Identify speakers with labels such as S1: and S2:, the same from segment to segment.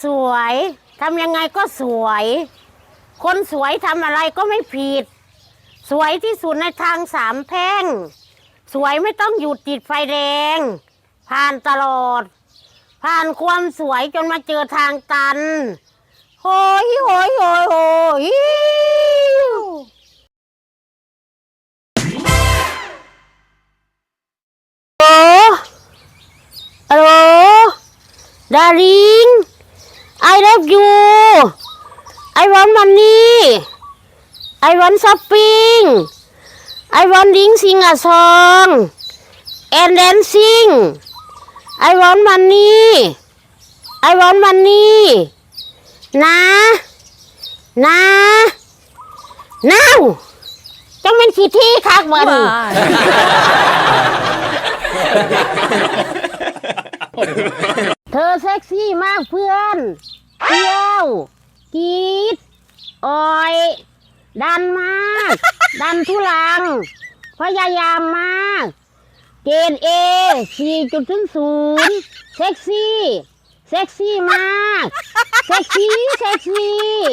S1: สวยทำยังไงก็สวย คนสวยทำอะไรก็ไม่ผิด สวยที่สุดในทางสามแพร่งสวยไม่ต้องหยุดติดไฟแดงผ่านตลอด ผ่านความสวยจนมาเจอทางตันโหยโหยโหยโหยฮัลโหลดาริง I love you I want money I want shopping I want sing a song and dancing I want money I want money นะจังเป็นขี้ที่คักมันเธอเซ็กซี่มากเพื่อนเที่ยวกรีดออยดันมากดันทุลังพยายามมากเกรด A 4.00เซ็กซี่มากเซ็กซี่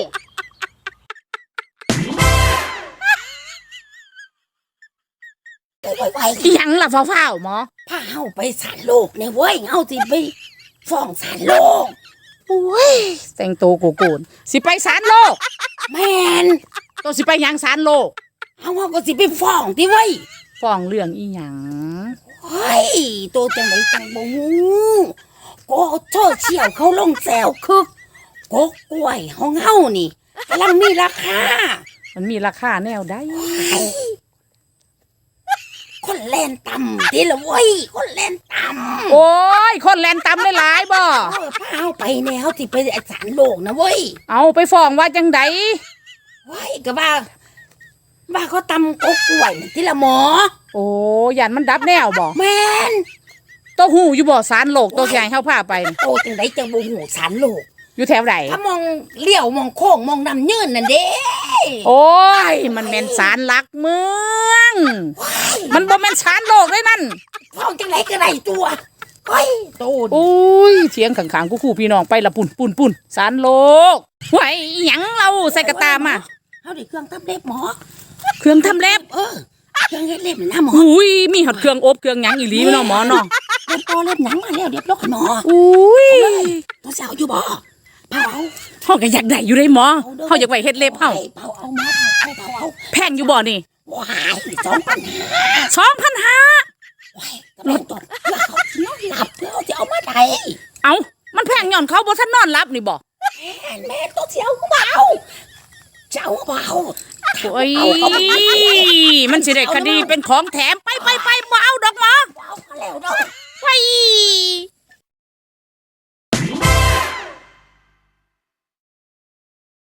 S2: อีหยังล่ะฟ้าวๆหมอ
S3: พาเฮาไปศาลโลกเนี่ยเว้ยเฮาสิไปฟ้องศาลโลก
S2: โอ้ยแต่งตัวโกนสิไปศาลโลก
S3: แม่น
S2: ตัวสิไปหยังศาลโลก
S3: เฮาก็สิไปฟ้องติเว้ย
S2: ฟ้องเรื่องอีหยัง
S3: เฮ้ยตัวจังได๋จังบ่ฮู้ก็โซเชียลเขาลงแซวคึกกกกล้วยของเฮานี่กำลังมีราคา
S2: มันมีราคาแนวใด
S3: คนแล่นต่ำติละเว้ยคนแล่นต่ำ
S2: โอ้ยคนแล่นต่ำหลายบ่
S3: พาเฮาไปแนวสิไปศาลโลกนะเว้ย
S2: เอาไปฟ้องว่าจังได
S3: เว้ยก็ว่าเขาตำกกกล้วยติละหมอ
S2: โอ้ยันมันดับแนวบ่
S3: แม่น
S2: ตัวหูอยู่บ่ศาลโลกตัวใหญ่เฮาพาไป
S3: โตจังได๋จังบ่ฮู้ศาลโลก
S2: อยู่แถวไหน
S3: ถ้ามองเลี้ยวมองโค้งมองน้ำยืนนั่นเด้
S2: โอ้ยมันแม่นศาลหลักเมืองมันบ่แม่นศาลโลกเลยนั่น
S3: ฟ้องจังได๋ก็ได้ตัวเฮ้ยโต
S2: โอ้ยเถียงข้างๆคู่พี่น้องไปละปุ่นศาลโลกไหวอีหยังเราใส่กระตามา
S3: เฮาได้เครื่องทำเล็บหมอ
S2: เครื่องทำเล็บ
S3: เครื่องเฮ็ดเล็บนะหมอ
S2: อุ้ยมีหอดเครื่องอบเครื่องหยังอีหลีเนาะหมอเนาะ
S3: เล็บโตเล็บหยังมาแล้วเรียบร้อยหมอ
S2: อุ้ย
S3: ตัวสาวอยู่บ่เผา
S2: เฮาก็อยากได้อยู่ได้หมอเฮาอยากไว้เฮ็ดเล็บเฮา
S3: เผาเอาหมอเผา
S2: แพงอยู่บ่นี่
S3: ว้าย2,500 ว้ายกำลังตดเขานอนหลับแล้วจะเอามาไหน
S2: เอามันแพงย้อนเขาบ่ทันนอนหลับนี่บ่
S3: แม่ตัวเสียวเบาเจ้าเบา
S2: โอ้ยมันสิได้คดีเป็นของแถมไปบ่เอาดอกหมอ
S3: เอาแล้วดอก
S2: ไป